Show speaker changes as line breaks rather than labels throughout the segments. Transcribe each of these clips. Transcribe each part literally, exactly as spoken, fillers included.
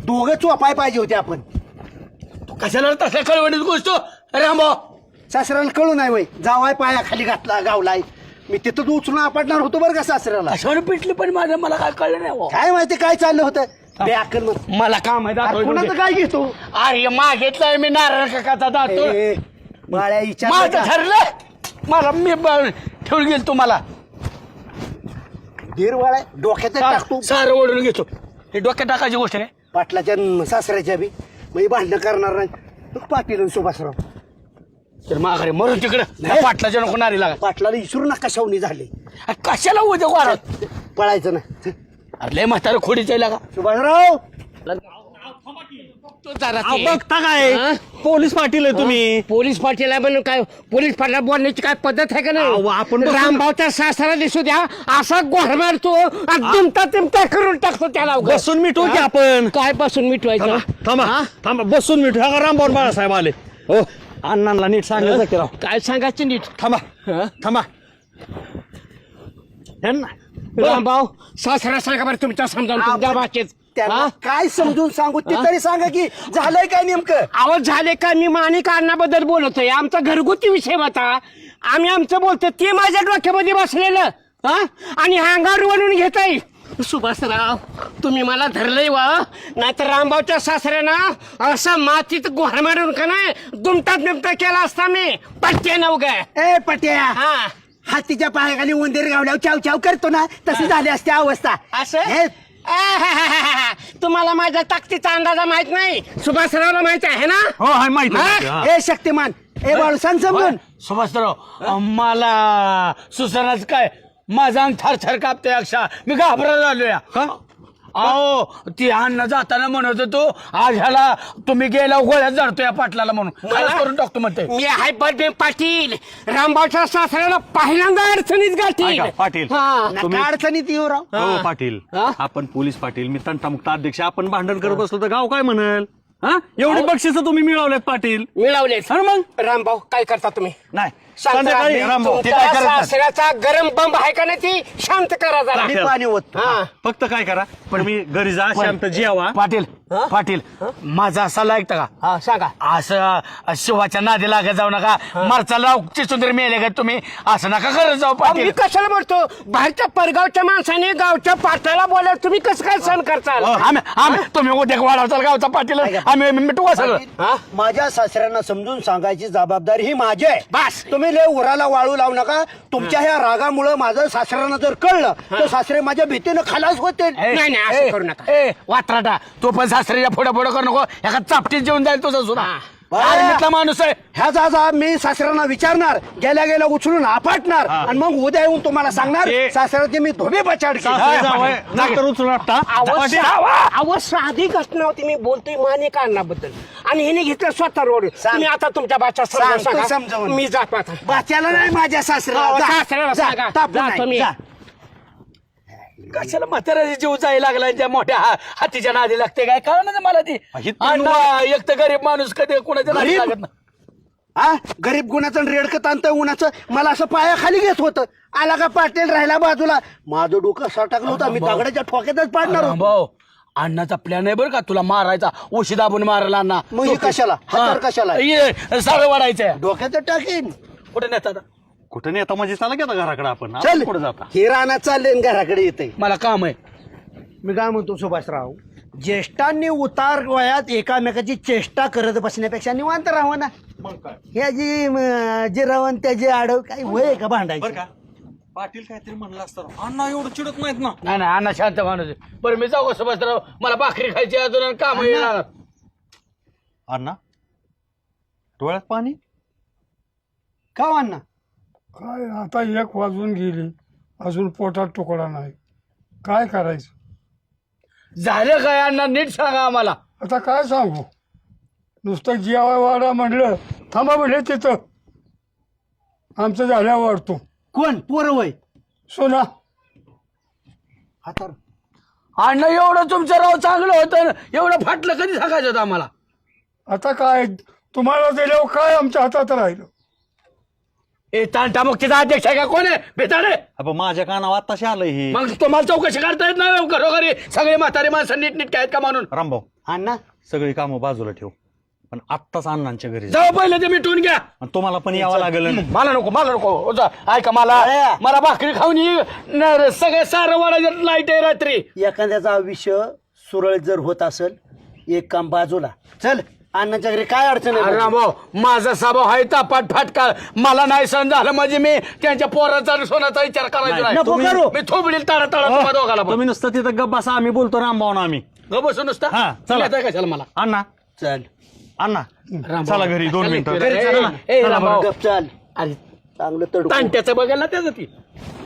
दोघं चोपाय पाहिजे होते आपण.
तू कशाला तसल्या कळवणीत गोष्ट रामभाऊ
सासऱ्याला कळू नाही वय जावाय पाया खाली घातला गावलाय. मी तिथं उचलून आपटणार होतो बरं का सासऱ्याला.
कशावर पिटली पण माझ्या मला काय कळलं नाही हो.
काय माहिती काय चाललं होतं बेअक्कल मग.
मला काम आहे
कोणाचं काय घेतो
अरे मागितलंय मी नारळ काकाचा दातो
ए, बाळ्या विचार
माझं ठरलं मला मी ब- ठेवून गेल तुम्हाला
दीर वाळ्या डोक्यात टाकतो
सारं ओढून घेतो हे डोक्यात टाकायची गोष्ट नाही.
पाटलाच्या न सासऱ्याच्या बी मग भांडणं करणार नाही. मग पाटील आणि सुभाषराव
तर माघारी मरून तिकडं
नाही.
पाटलाच्या नको नारी लागा
पाटलाला विसरू नका शावणी झाले.
कशाला उद्या वाढत
पळायचं ना.
अरे लय म्हातारं खोडीच आहे लागा
सुभाषराव
तो जरा
अहो,
ते-
बघता काय
हा?
पोलीस पाटील आहे तुम्ही.
पोलीस पाटील आहे म्हणून काय पोलीस पाटील बोलण्याची काय पद्धत आहे का
अहो,
नाही.
आपण बसून-
रामभाऊच्या सासरा दिसू द्या असा गोर मारतो आणि दुमता तिमता करून टाकतो त्याला उगाच.
बसून मिटवू की
हा?
आपण.
काय बसून मिटवायचं
थांबा थांबा
हा?
थांबा बसून मिटू. हा रामभाऊ बाळासाहेब आले. हो अण्णांना नीट सांगायचं की राव.
काय सांगायचं नीट
थांबा
हा?
थांबा ह्यांना
रामभाऊ सासरा सांगा बरं तुमच्या समजावून तुमच्या भाषेत
त्यांना
हा?
काय समजून सांगू ते तरी सांगा की झालंय काय नेमकं.
आवाज झाले का मी माणिक अण्णाबद्दल बोलतोय आमचा घरगुती विषय होता. आम्ही आमचं बोलतो ते माझ्या डोक्यामध्ये बसलेलं हा आणि अंगावर वळून घेताय. सुभाषराव तुम्ही मला धरलंय वा नाहीतर रामभाऊच्या सासऱ्यानं असं मातीत गोहर मारून का नाही दुमटा दुमटा केला असता मी पट्टे नवग
ए पट्या
हा
हातीच्या पायाखाली उंदीर गावल्यावर चाव चाव करतो ना तशी झाली असते अवस्था.
असं
हे,
आहाहाहा. तुम्हाला माझ्या ताकदीचा अंदाजा माहित नाही सुभाषरावला माहित आहे ना.
हो हाय माहिती आहे,
हा?
माहिती आहे,
ए शक्तिमान ए बाळू सांग समजून.
सुभाषराव मला सुसनाच काय माझा अंग थर थर कापतोय अक्षा मी घाबरायला आलोय
हा?
अहो ती अन्न जाताना म्हणत होतो आज ह्याला तुम्ही गेला गोळ्यात जडतोय पाटलाला म्हणून खरंच करून टाकतो म्हणते. मी आहे बडे पाटील रामभाऊच्या सासऱ्याला पहिल्यांदा अडचणीत गाठी.
ऐका, पाटील.
हा.
नका अडचणीत येऊ राव.
हो पाटील
हा?
आपण पोलीस पाटील मी तंटामुक्त अध्यक्ष आपण भांडण करत बसलो तर गाव काय म्हणेल. हा एवढी बक्षिस तुम्ही मिळवलेत पाटील.
मिळवले
हा ना मग
रामभाऊ काय करता तुम्ही
नाही
शांत
संध्याकाळी
राहा.
रामभाऊ ते
तुमच्या
काय करत नाही.
सासऱ्याचा गरम बंब आहे का नाही ती शांत करा जरा.
मी पाणी ओततो.
हा.
फक्त काय करा पण मी घरी जा शांत जेवा.
पाटील पाटील माझा असा ऐकता का
हा सांगा.
असं शिवाच्या नादी लागत जाऊ नका मरचाला चिचुंदर मेले का तुम्ही असं नका करत जाऊ
मी
पाटील.
कशाला म्हणतो बाहेरच्या परगावच्या माणसाने गावच्या पाटलाला बोलायला तुम्ही कसं काय सहन करताल.
आम्ही आम्ही तुम्ही उद्या वाढवचाल गावचा पाटील आम्ही मिटू सगळं.
माझ्या सासऱ्यांना समजून सांगायची जबाबदारी ही माझी आहे.
बस.
तुम्ही लय उराला वाळू लावू नका. तुमच्या ह्या रागामुळे माझं सासऱ्यांना जर कळलं तर सासरे माझ्या भीतीनं खलास होते.
नाही
नाही असं करू नका.
ए वात्राटा तो पण सासरीच्या फोडा फोडा करू नको एका चापटीत जेवून जाईल तुझा सुद्धा आर्मीतला माणूस आहे.
ह्या जा मी सासऱ्यांना विचारणार गेल्या गेल्या उचलून आपटणार आणि मग उद्या येऊन तुम्हाला सांगणार
ते-
सासऱ्याचे मी धोबे बचाड
सासरे जावई, नंतर उचलून आपटा. पाटील,
अव साधी घटना होती. मी बोलतोय मानिक अण्णाबद्दल आणि हिने घेतलं स्वतः रोड. तुम्ही आता तुमच्या बाच्या समजावून मी जात आता बाच्याला नाही माझ्या सासऱ्याला
सासऱ्याला सांगा. कशाला म्हाताऱ्याचा जीव जायला लागला त्या मोठ्या हा- हातीच्या नादी लागते काय कळ ना मला ती
ही तर
अण्णा, एक तर गरीब माणूस कधी कोणाच्या नादी
गरीब?
लागत नाही.
हा गरीब गुणाचं रेडकं ताणतं उन्हाचं मला असं पायाखाली घेत होतं. आला का पाटील राहिला बाजूला माझं डोकं असं टाकलं होतं मी दगडाच्या ठोक्यातच पाडणार होतो.
भाऊ अण्णाचा प्लॅन आहे बरं का तुला मारायचा उशी दाबून मारायला अण्णा.
मग हे कशाला? हातावर कशाला?
ये सारं वाढायचं
डोक्यात टाकीन.
कुठे नेतात
कुठं नेता म्हणजे चला की आता घराकडे आपण
चल
आपण कुठं जाता.
हे रानात चालले आणि घराकडे येते.
मला काम आहे.
मी काय म्हणतो सुभाषराव ज्येष्ठांनी उतार वयात एकामेकाची चेष्टा करत बसण्यापेक्षा निवांत राहावं ना. ह्या जी म, जे रवण त्याचे आडव काही वय का
बरं
भांडायचं.
का पाटील काहीतरी म्हणलं असतं अण्णा एवढं चिडत नाहीत ना.
नाही नाही अण्णा शांत माणूस आहे. बरं मी जाऊ का सुभाषराव मला भाकरी खायची अजून काम येणार.
अण्णा डोळ्यात पाणी
का अण्णा
काय आता एक वाजून गेली अजून पोटात तुकडा नाही काय करायचं.
झालं काय अण्णा नीट सांगा आम्हाला.
आता काय सांगू नुसतं जेवाय वाडा म्हणलं थांबा म्हणले तिथं आमचं झाल्या वाढतो
कोण पोर वय
सोना
हातार
अण्णा एवढं तुमचं राव चांगलं होतं एवढं फाटलं कधी सांगायचं होतं आम्हाला.
आता काय तुम्हाला दिल्यावर काय आमच्या हातात राहिलं.
ए तांटा मुक्तीचा अध्यक्ष आहे का कोण आहे बेताडे.
अबे माझ्या कानावर आत्ताशी आलंय हे.
मग तुम्हाला चौकशी करता येत नाही घरोघरी सगळे म्हातारे माणसं नीट नीट आहेत का म्हणून.
रामभाऊ
अण्णा
सगळी कामं बाजूला ठेव, पण आत्ताच अण्णांच्या घरी जा.
जाऊ पहिले ते मिटवून घ्या.
आणि तुम्हाला पण यावं लागेल.
मला नको मला नको हो जा. ऐका मला
अरे.
मला भाकरी खाऊन ये. न- सगळं सारं वाढायचं लाईट आहे रात्री.
एखाद्याचं आयुष्य सुरळीत जर होत असेल एक काम बाजूला चल. अण्णाच्या घरी काय अडचण
अरे
आहे
रामभाऊ, माझा स्वभाव आहे तापाट फाटका. मला नाही सहन झालं म्हणजे मी त्यांच्या पोराचा आणि सोनाचा विचार करायचा नाही.
नको करू.
मी थोबडील तारा तारा तुम्हा दोघाला पण.
तुम्ही नुसतं तिथं गप बसा, आम्ही बोलतो रामभाऊन. आम्ही
गं बसू नुसता.
हा, चला.
येताय कशाला मला
अण्णा
चल
अण्णा
रामभाऊ.
चला घरी दोन मिनिटं.
घरी चला ना. ए,
चला
रामभाऊ.
बरं.
गप चल.
अरे
चांगलं तडू
तांट्याचं बघायला ना त्याचं ती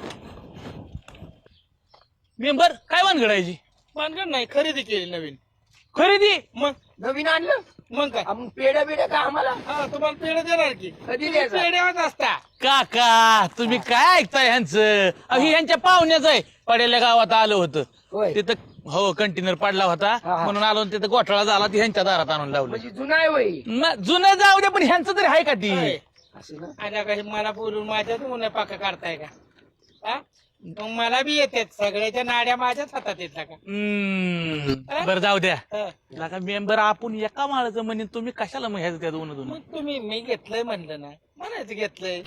मेंबर काय भानगड आहे जी? भानगड नाही, खरेदी केली नवीन.
खरेदी
मग
नवीन आणलं.
मग काय
आपण पेढ्या बिड्या का आम्हाला
हा, तुम्हाला पेढे देणार की
कधी
तुम्ही
द्यायचा?
पेढ्यावर असता काका. तुम्ही काय ऐकताय ह्यांचं? अहो, हे ह्यांच्या पाहुण्याच आहे. पडेल्या गावात आलं होतं
होय.
तिथं. हो, कंटेनर पडला होता
हा.
म्हणून आलो आणि तिथं गोठाळा झाला, ती ह्यांच्या दारात आणून लावलं.
म्हणजे जुना आहे वय.
न- जुनं जाऊ दे, पण ह्यांचं तरी आहे का ती?
असं ना.
आता काही मला बोलून माझ्याच उन्हा पाका काढताय का? हा? मग मला बी येतात, सगळ्याच्या नाड्या माझ्याच हातात येतात का? बरं जाऊ द्या. लागा मेंबर आपण एका माळाचं म्हणेन, तुम्ही कशाला मग ह्याच त्या दोन दोन? मग तुम्ही मी घेतलंय म्हणलं ना, म्हणायचं घेतलंय.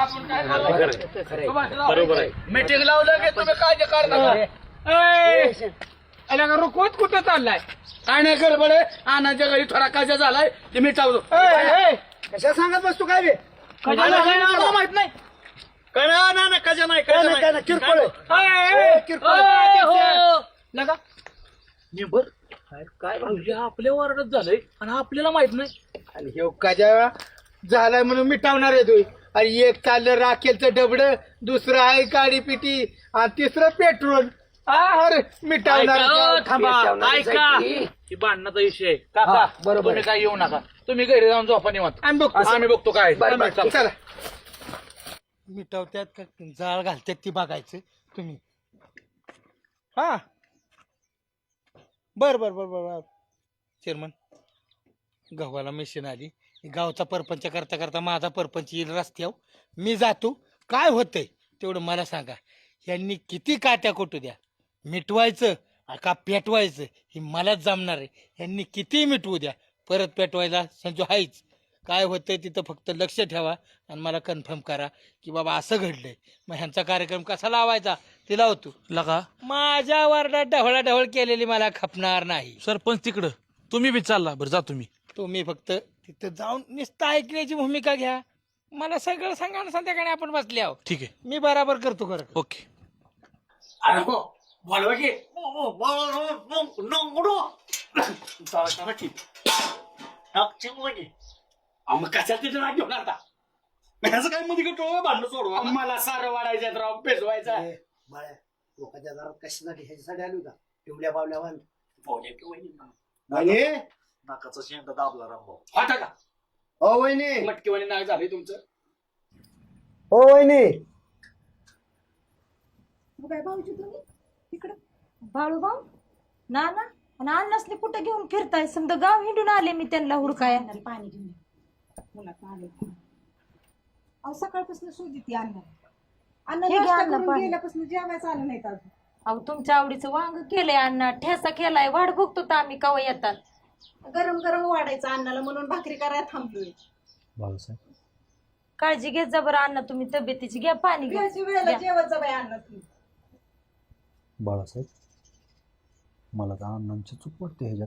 बरोबर आहे. मीटिंग लावलं की तुम्ही काळजी करता. अला का रुकवत कुठं चाललाय? काय नाही गडबड आहे. आणाच्या घरी थोडा काजा झालाय ते मिटावतो.
कशा सांगत बसतो काय बे
माहित नाही.
काय नाही, नाही, नाही, कशा नाही,
काय
कशा
नाही,
नाही.
काय नाही, किरकोळ आहे.
ए, ए,
किरकोळ.
ए, हो. नका मेंबर काय भाऊजी आपल्या वारडात झालंय आणि आपल्याला माहित नाही.
आणि हे काजा झालाय म्हणून मिटावणार आहे तुम्ही. आणि एक चाललं राखेलचं डबड, दुसरं आहे गाडी पिटी आणि तिसरं पेट्रोल. अरे मिटावणार
ऐका, थांबा,
पेटवणार
ऐका.
जायची.
ही भांडणाचा विषय आहे. काका,
बरोबर
तुम्ही काय येऊ नका. तुम्ही घरी जाऊन झोपा निवांत.
आम्ही बघतो.
आम्ही बघतो काय.
बरं, बरं, चला.
मिटवत्यात का जाळ घालतात ती बघायचं तुम्ही. हा बर बर बर बर बर चेअरमन, गव्हाला मशीन आली. गावचा परपंच करता करता माझा परपंच येईल रस्त्यावर. मी जातो. काय होतंय तेवढं मला सांगा. यांनी किती काट्या कोटू द्या, मिटवायचं का पेटवायचं हे मलाच जमणार आहे. यांनी किती मिटवू द्या, परत पेटवायला संजू हायच. काय होतंय तिथं फक्त लक्ष ठेवा आणि मला कन्फर्म करा की बाबा असं घडलंय. मग ह्यांचा कार्यक्रम कसा लावायचा ते लावतो.
लगा
माझ्या वार्डात ढवळा ढवळ केलेली मला खपणार नाही.
सरपंच तिकडं, तुम्ही बी चालला. बरं जा तुम्ही.
तुम्ही फक्त तिथं जाऊन नुसतं ऐकण्याची भूमिका घ्या. मला सगळं सांगा ना, संध्याकाळी आपण बसले आहोत.
ठीक आहे,
मी बराबर करतो खरं.
ओके.
अरे हो बोलवा की. अहो, मग कशाला तिथे राग घेऊन आता?
ह्याचं काय मध्ये गटोळं भांडण सोडवा.
मला सारं वाढायचं राव, पेजवायचा.
बाळ्या लोकांच्या दारात कशासाठी ह्याच्यासाठी आली का पिवल्या पावल्यावर.
नाकाचा शेंडा दाबला रामभाऊ.
आता का
हो वहिनी,
मटकीवाणी नाग झाले तुमचं.
हो वहिनी.
काय भाऊजी तुम्ही इकडं बाळूभाऊ ना ना आणि अन्नासले कुठे घेऊन फिरताय? समजा गाव हिंडून आले मी त्यांना हुडकाय. पाणी घेऊन
अहो सकाळपासून शोधित ती अन्न
हे
अन्न
घ्या
नाश्ता
अन्न,
करून
पाणी.
गेल्यापासून जेवायचं आलं नाही अजून.
अहो तुमच्या आवडीचं वांग केलंय अण्णा, ठेसा केलाय, वाट बघतो तर आम्ही कवा येतात.
गरम गरम वाढायचं अन्नाला म्हणून भाकरी करायला थांबलोय.
बाळासाहेब,
काळजी घेत जा बरं अण्णा तुम्ही तब्येतीची. घ्या पाणी घ्या.
वेळची वेळेला जेवत जा बाई अन्न तुम्ही.
बाळासाहेब, मला तर अण्णांची चूक वाटते ह्याच्यात.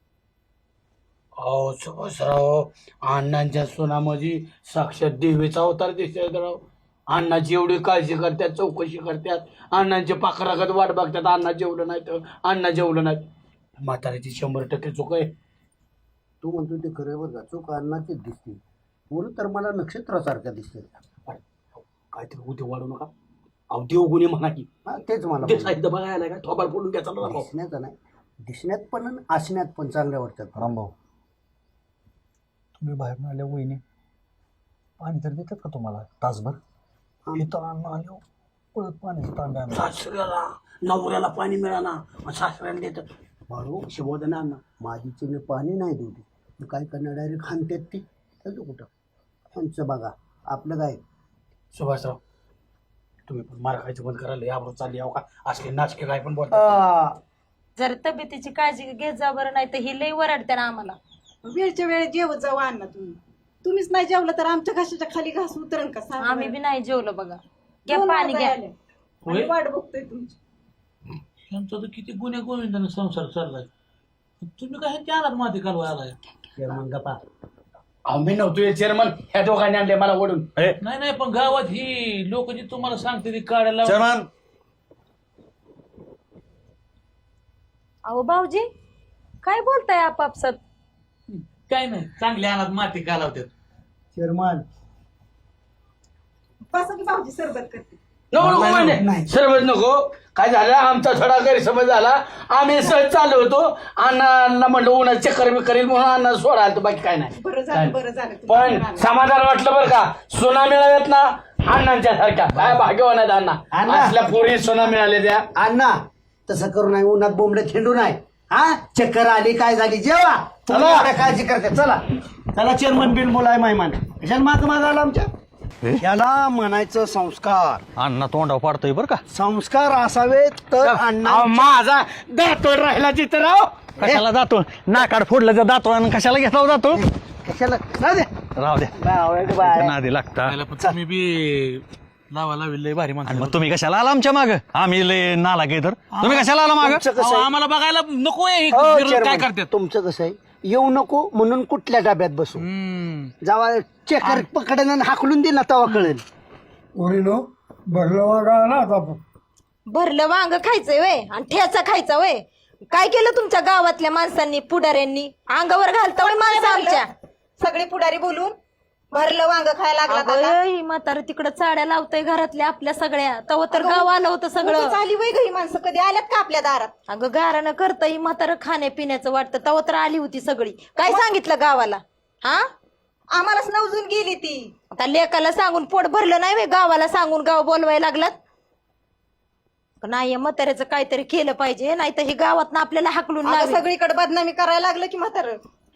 अहो सुभाषराव, अण्णांच्या सोनामध्ये साक्षात देवीचा अवतार दिसतोय राव. अण्णाची एवढी काळजी करतात, चौकशी करतात, अण्णांचे पाखरागत वाट बघतात. अण्णा जेवलं नाही तर अण्णा जेवलं नाही. म्हाताऱ्याची शंभर टक्के चूक आहे.
तू म्हणतो ते खरं बरं का, चूक अन्नाचीच दिसते. मुलं तर मला नक्षत्रासारख्या दिसते.
काहीतरी उद्या वाढू नका. अहो देवगुणी म्हणा की.
हा तेच मला
ते
म्हणायचं.
साहित्य बघायला काय थोबाड बोलून घ्यायचा ना राव.
दिसण्याचं नाही, दिसण्यात पण आणि असण्यात पण चांगल्या वाटतात.
रामभाऊ, तुम्ही बाहेर आल्या वहिनी पाणी तर देतात का तुम्हाला तासभर? इथं अन्न आलो पळत पाण्याचं तांब्या आणलं.
सासऱ्याला नवऱ्याला पाणी मिळाना, सासऱ्याला देतात.
बाळू,
शिवोदन अण्णा.
माझी चिन्ह पाणी नाही देऊ दे. मग काय करणार, डायरेक्ट खाणतात ती. त्याचं कुठं त्यांचं बघा, आपलं काय.
सुभाषराव, तुम्ही पण मार खायचं बंद करायला यावर चालली आहो का? असले नाचके काय पण बोलता.
आ,
जर तब्येतीची काळजी घेत जा बरं, नाही तर ही लई वरडते ना आम्हाला.
वेळच्या वेळेस जेवत जाऊ अण्णा तुम्ही. तुम्हीच नाही जेवलं तर आमच्या घशाच्या खाली घास उतरण का सांगा
आम्ही
बरं.
बी नाही जेवलो बघा. घ्या
दोन
पाणी
वाजायला
घ्या.
आले. आम्ही वाट बघतोय तुमची.
त्यांचा तर किती गुन्हे गोविंदाने संसार चाललाय, तुम्ही काय त्याला माती कालवा आलाय.
आम्ही नव्हतो चेअरमन, ह्या दोघांनी आणले मला ओढून.
नाही नाही पण गावात ही लोक जी तुम्हाला सांगते ती काढायला.
चेअरमन
अहो भाऊजी काय बोलताय आपापसात?
काय नाही, चांगल्या अनाथ माती कालवतात.
चेअरमन
बसा की भाऊजी सरबत करते.
नको नको म्हणे सर्वच नको. काय झालं, आमचा थोडा गैरसमज झाला. आम्ही सहज चाललो होतो, अण्णांना म्हणलं उन्हा चक्कर बी करील म्हणून अण्णा सोडा, तर बाकी काय नाही.
बरं झालं बरं झालं तुम्ही
पण
आला.
समाधान वाटलं बरं का, सोना मिळाव्यात ना अण्णांच्या सारख्या. काय भाग्यवान आहेत अण्णा, असल्या पोरी सोना मिळाले त्या.
अण्णा तसं करू नाही, उन्हात बोंबडे खेळू नाही. हा चक्कर आली काय झाली जेवा, तुम्ही एवढ्या काळजी करते. चला चला चेअरमन बिल बोलाय मायमान कशाला माग माग आला आमच्या. याला म्हणायचं संस्कार.
अण्णा तोंडावर पाडतोय बरं का.
संस्कार असावेत तर अण्णा.
अहो, माझा दातोड राहिला तिथं राव.
कशाला जातो नाकाड फोडलं तर जातो आणि कशाला घेतला जातो.
कशाला राहू दे.
राहू द्या
बाय, बाय.
त्याच्या नादी लागता.
त्याला पण तुम्ही बी लावा लावी लय भारी
आणि
माणसं.
मग तुम्ही कशाला आला आमच्या माग, आम्ही लय नाला गे तर तुम्ही कशाला आला माग.
तुमचं कसं
अहो,
आहे?
आम्हाला बघायला नको आहे हे
हो,
विरोध काय
chairman,
करतात.
तुमचं कसं आहे, येऊ नको म्हणून कुठल्या डब्यात बसू.
हम्म.
जावा चेकर पकडन आणि हाकलून दे ना, तवा कळेल.
उरीनो भरलं वागा ना आता.
भरलं वांग खायचंय वय आणि ठेचा खायचा वय. काय केलं तुमच्या गावातल्या माणसांनी, पुढाऱ्यांनी? अंगावर घालता वय माणसं आमच्या.
सगळे पुढारी बोलून भरलं वांग खायला लागला आता.
अगं, म्हातारं तिकडं चाड्या लावतय घरातल्या आपल्या सगळ्या. तव तर गाव आलं होतं सगळं.
उगाच आली वय घरी माणसं, कधी आल्यात का आपल्या दारात?
अगं गारानं करतय म्हातारं खाण्यापिण्याचं वाटतं. तव तर आली होती सगळी. काय सांगितलं गावाला? हा
आम्हालाच नवजून गेली ती.
आता लेकाला सांगून पोट भरलं नाही वे, गावाला सांगून गाव बोलवायला लागलात. नाही म्हाताऱ्याचं काहीतरी केलं पाहिजे, नाही तर हे गावात ना आपल्याला हाकलून
आता
लावेल.
सगळीकडे बदनामी करायला लागलं की म्हातारं.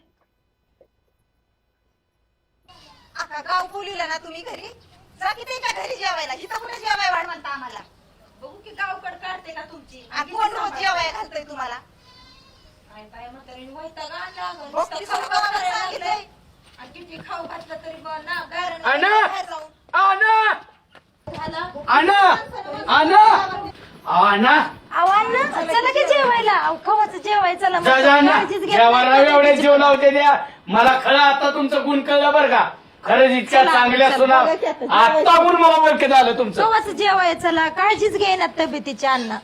आता गाव बोलिला ना तुम्ही घरी, जा की त्याच्या घरी जेवायला. इथं कुठे जेवाय वाढ म्हणता आम्हाला?
बघू की गावकड काढते का तुमची.
आणि कोण रोज जेवाय घालतोय तुम्हाला?
काय बाय म्हातारीने वैताग आणला अगं.
बघ
नुसतं
की
खाऊ
सगळं
घालायला
सांगितलंय.
लागलंय. आणि किती खाऊ घातलं तरी बा ना गारानं
अण्णा
बाहेर जाऊन
अण्णा
झाला.
अण्णा अण्णा अण्णा
आव्हान चला की जेवायला. अहो, खवाचं जेवाय चला.
जा जा ना,
काळजीच घेत
जेवायला
नाही.
एवढे जीव लावते द्या. मला खरं आता तुमचं गुण कळलं बरं का. खरंच इतक्या चांगल्या सुना आता गुण मला ओळखत आलं तुमचं.
खवाचं जेवाय चला. काळजीच घेईना तब्येतीची अण्णा.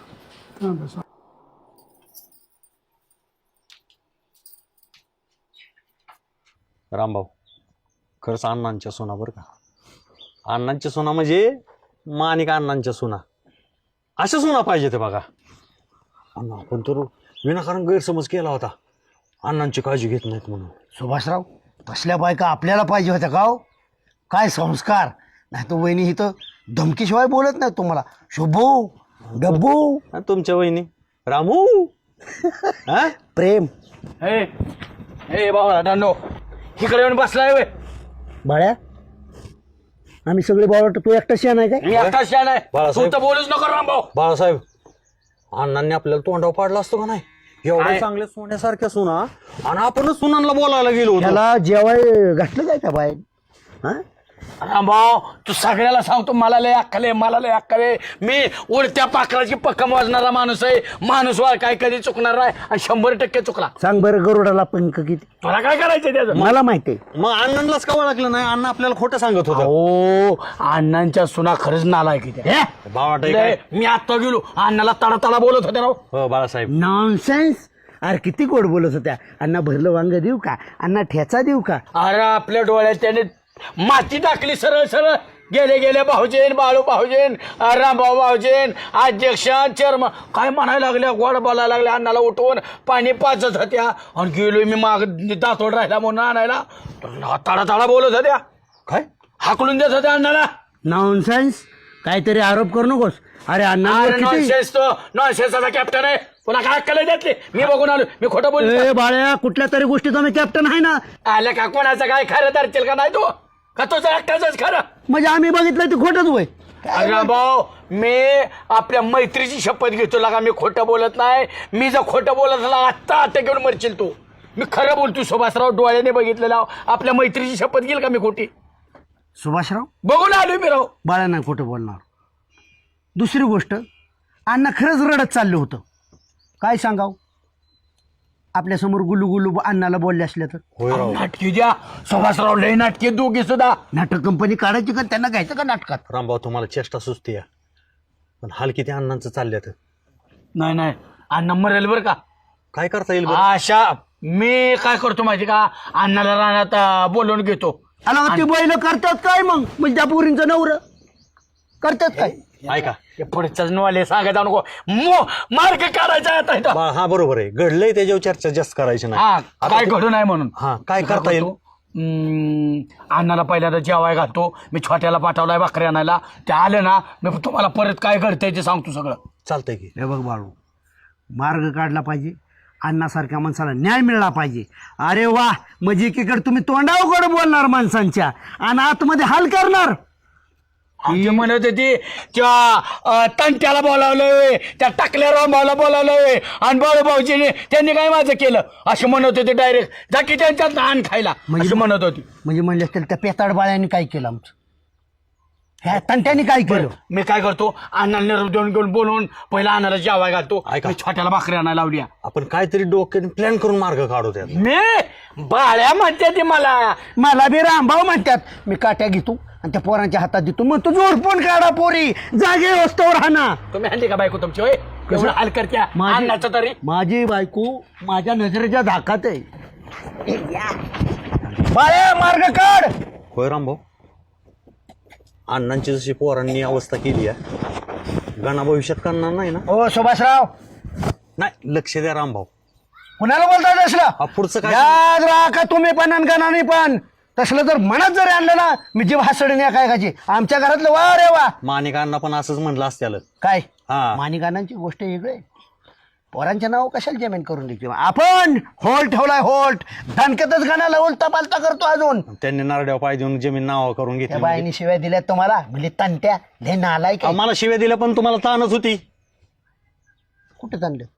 रामभाऊ खरंच अण्णांच्या सोना बरं का. अण्णांच्या सोना म्हणजे मानिक अण्णांच्या सोना, अशा सोना पाहिजे ते बघा. अण्णा आपण तर विनाकारण गैरसमज केला होता, अण्णांची काळजी घेत नाहीत म्हणून.
सुभाषराव तसल्या बायका आपल्याला पाहिजे होत्या का हो? काय संस्कार. नाही तर वहिनी इथं धमकीशिवाय बोलत नाही तुम्हाला. शुभू डब्बू
आणि तुमच्या वहिनी रामू हा
प्रेम.
हे हे बाबा दांडो इकडे येऊन बसलाय वे.
बाळ्या आम्ही सगळे बावळ तू एकटा शिया आहे काय?
मी आता शान आहे, तू
बाळासाहेब.
तर बोलूच नको रामभाऊ.
बाळासाहेब अण्णांनी आपल्याला तोंडावर पाडला असतो का नाही. एवढ्या
काय?
चांगल्या सोन्यासारख्या सुना आणि आपणच सुनांना बोलायला गेलो होतो.
त्याला जेवाय घातलं काय का बाहेर? हा
रामभाऊ तू सगळ्याला सांगतो, मला लय अक्कल आहे, मला लय अक्कल आहे. मी उडत्या पाखराची पक्कम वाजणारा माणूस आहे. माणूस वाळ काय कधी चुकणार नाही आणि शंभर टक्के चुकला.
सांग बरं गरुडाला पंख किती?
तुला काय करायचं त्याचं?
मला माहिती आहे.
मग अण्णांनाच का ओळखलं नाही. अण्णा आपल्याला खोटं सांगत होतं.
हो अण्णांच्या सुना खरंच नालायक आहे त्या.
बावट आहे
लय,
काय?
मी आता गेलो अण्णाला तडा तडा बोलत होते राव.
हो बाळासाहेब.
नॉनसेन्स. अरे किती गोड बोलत होत्या. अण्णा भरलं वांग देऊ का? अण्णा ठेचा देऊ का?
अरे आपल्या डोळ्यात त्याने माती टाकली सरळ सरळ. गेले गेले भाऊजेन, बाळू भाऊजेन, रामभाऊ भाऊजेन, अध्यक्ष, चेअरमन काय म्हणायला लागल्या, गोड बोलायला लागल्या. अण्णाला उठवून पाणी पाजत होत्या आणि गेलोय मी माग दातोड राहिला म्हणून आणायला. ताडा ताडा बोलत होत्या.
काय
हाकलून देत होत्या अण्णाला.
नॉनसेन्स. काहीतरी आरोप करू नकोस. अरे अण्णा
अरे नॉनसेन्स तो नॉनसेन्सचा कॅप्टन आहे. तुला काय अक्कल त्यातली? मी बघून आलो, मी खोटं बोलतो.
ए बाळ्या कुठल्या तरी गोष्टीचा मी कॅप्टन आहे ना.
आलं का कोणाचं काय खरं धरतील का नाही तू? का तुझं एकट्याच खरं?
म्हणजे आम्ही बघितलं ते खोटंच होय.
रामभाऊ मी आपल्या मैत्रीची शपथ घेतो लागा, मी खोटं बोलत नाही. मी जर खोटं बोलत झाला आत्ता आता घेऊन मरशील तू. मी खरं बोलतो सुभाषराव, डोळ्याने बघितलेला. आपल्या मैत्रीची शपथ घेईल का मी खोटी?
सुभाषराव
बघून आलोय मी राव.
बाळा नाही खोटं बोलणार. दुसरी गोष्ट, अण्णा खरंच रडत चाललं होतं. काय सांगाव, आपल्यासमोर गुलू गुलू अण्णाला बोलले असले तर.
होय राव.
नाटकी द्या सुभाषराव, लय नाटकी दोघी सुद्धा.
नाटक कंपनी काढायची का, त्यांना घ्यायचं का नाटकात?
रामभाऊ तुम्हाला चेष्टा सुचते या, पण हाल किती अण्णांचं चालल्यात.
नाही नाही अण्णा मरेल बरं का.
काय करता येईल बरं?
अशा मी काय करतो माहिती का, अण्णाला रानात अं, बोलवून घेतो.
अला ते बैल करतात काय मग, म्हणजे त्या पोरींचं नवरं करतात काय?
ऐका
पुढच्याच नवाले सांगायचा नको, मो मार्ग काढायचा आता इथं.
बा- हा बरोबर आहे, घडलंय त्याच्यावर चर्चा जास्त करायची नाही.
हा काय घडू नाही म्हणून.
हा काय करता येईल?
हम्म, अण्णाला पहिल्यांदा जेवाय घालतो. मी छोट्याला पाठवलाय भाकरी आणायला, ते आले ना मी तुम्हाला परत काय घडतंय ते सांगतो सगळं.
चालतंय की.
हे बघ बाळू, मार्ग काढला पाहिजे, अण्णासारख्या माणसाला न्याय मिळाला पाहिजे. अरे वा, म्हणजे एकीकडे तुम्ही तोंडावकड बोलणार माणसांच्या आणि आतमध्ये हाल करणार.
जे म्हणत होती त्या अं, तंट्याला बोलावलंय, त्या टाकल्या रामभाऊला बोलावलंय आणि बाळूभाऊजीने त्यांनी काय माझं केलं असे म्हणत होते. डायरेक्ट जा की त्यांच्यात धान खायला म्हणजे म्हणत होती.
म्हणजे म्हणले असतील त्या पेताड बाळ्यांनी काय केलं आमचं, ह्या तंट्याने काय केलं?
मी काय करतो, अण्णाला निरोप देऊन घेऊन बोलवून पहिला अण्णाला जेवाय घालतो.
ऐका.
मी छोट्याला भाकरी आणायला लावली.
आपण काहीतरी डोक्याने प्लॅन करून मार्ग काढू त्यात.
मी बाळ्या म्हणते ती मला.
मला बी रामभाऊ म्हणतात. मी काट्या घेतो आणि त्या पोरांच्या हातात देतो, मग तू जोडपून काढा पोरी, जागे वस्तूवर राहणार.
तुम्ही आणली का बायको तुमची? होय एवढं हाल करत्या अण्णाचं तरी.
माझी बायको माझ्या नजरेच्या धाकात आहे.
बाळ्या मार्ग काढ.
होय रामभाऊ, अण्णांची जशी पोरांनी अवस्था केली आहे, गणा भविष्यात करणार नाही ना.
ओ सुभाषराव,
नाही लक्ष द्या रामभाऊ.
कुणाला बोलताय तसलं?
हा, पुढचं काय?
याद राखा तुम्ही पण आणि गणाने पण. तसलं जर मनात जर आणलं ना, मी जीव हासडून या काय खायची. आमच्या घरातलं वा रे वा.
माणिक अण्णा पण असंच म्हणलं असत्याल.
काय
हा.
मानिकांची गोष्ट वेगळी आहे. पोरांच्या नाव कशाला जमीन करून द्यायची? आपण होल्ट ठेवलाय, होल्ट धनकतच गणाला उलटा पालता करतो अजून.
त्यांनी नारड्यावर पाय देऊन जमीन नावा करून
त्या
घेतली.
बाईने शिव्या दिल्यात तुम्हाला, म्हणजे तंट्या ले नालाय काय.
मला शिव्या दिल्या पण तुम्हाला ताणच होती.
कुठं चाललं?